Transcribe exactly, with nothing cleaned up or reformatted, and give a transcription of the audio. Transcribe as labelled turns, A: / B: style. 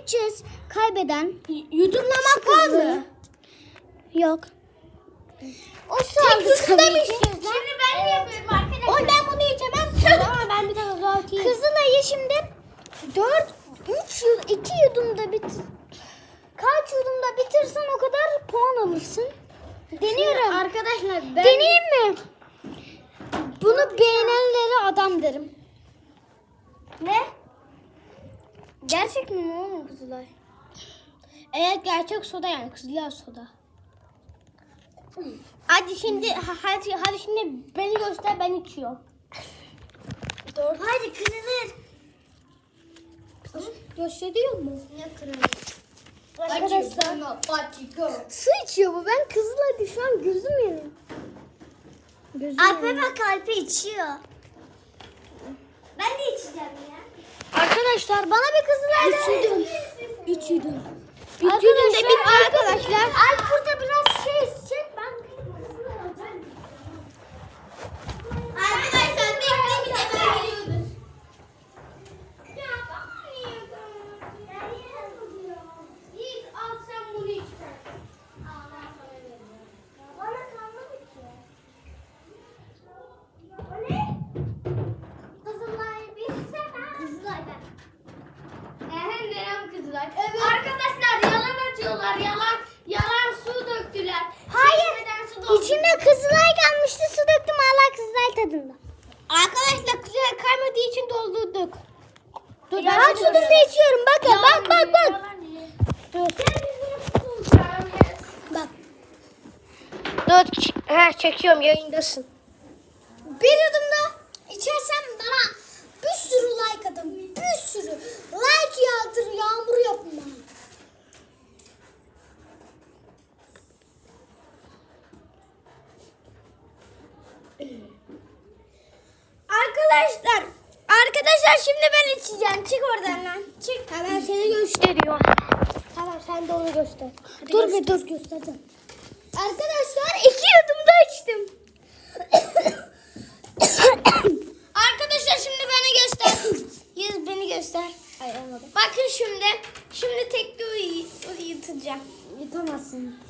A: seçeceğiz. Kaybeden.
B: Yudumlamak var mı?
A: Yok. O
B: Tek
A: sağlık
B: yudumda
A: tabii
B: mı
A: ki.
B: içeceğiz lan? Şimdi ben de yapıyorum arkadaşlar. Oy ben bunu içemem. Ama ben bir tane daha atayım.
A: Kızılay'ı şimdi dört, üç, iki yudumda bitir. Kaç yudumda bitirsen o kadar puan alırsın. Deniyorum.
B: Arkadaşlar ben...
A: Deneyeyim mi? Bunu beğenenlere adam derim.
B: Ne?
A: Gerçek mi oğlum Kızılay?
B: Evet gerçek soda yani Kızılay soda. Hadi şimdi ha- hadi, hadi şimdi beni göster ben içiyorum.
A: Doğru.
B: Hadi kırılır. Gösteriyor mu?
A: Ne kırılır?
B: Arkadaşlar
A: Su içiyor bu. Ben Kızılay'da şu an gözüm yanıyor. Gözüm
B: Alpe bak Alpe içiyor. Ben de içeceğim ya.
A: Arkadaşlar bana bir Kızılay'da.
B: Üç yudum. Üç yudum. Üç
A: Arkadaşlar,
B: yudum da bitti arkadaşlar.
A: Alp burada biraz şey içecek. Ben
B: Arkadaşlar bekleyin bir de ben geliyoruz. Yiğit al sen bunu iç. Bana kalmadı ki. O ne? Kızılay bir sefer. Kızılay ben. Ehe nerem Kızılay? Evet. Arkadaşlar yalan atıyorlar yalan. Yalan su döktüler.
A: Hayır.
B: Çeşmeden su doldu.
A: İçinde Kızılay kalmıştı. Su döktüm hala Kızılay tadında.
B: Arkadaşlar Kızılay kaymadığı için doldurduk. Dur,
A: Ya
B: ben
A: su
B: seni
A: da
B: görüyorum.
A: içiyorum. Bakın bak bak bak.
B: Dur.
A: Bak.
B: Dur. Ha çekiyorum yayındasın.
A: Bir yudum da içersem bana bir sürü like atın. Bir sürü like yağdır, yağmur yapın bana.
B: Arkadaşlar. Arkadaşlar şimdi ben içeceğim. Çık oradan lan. Çık.
A: Hemen seni gösteriyorum.
B: Tamam sen de onu göster. Hadi
A: Dur
B: göster.
A: bir dur göstereceğim. Arkadaşlar iki yudum da içtim.
B: Arkadaşlar şimdi beni göster. Yüz beni göster.
A: Ay olmadı.
B: Bakın şimdi. Şimdi tekli uy- uyutacağım.
A: Yutamazsın.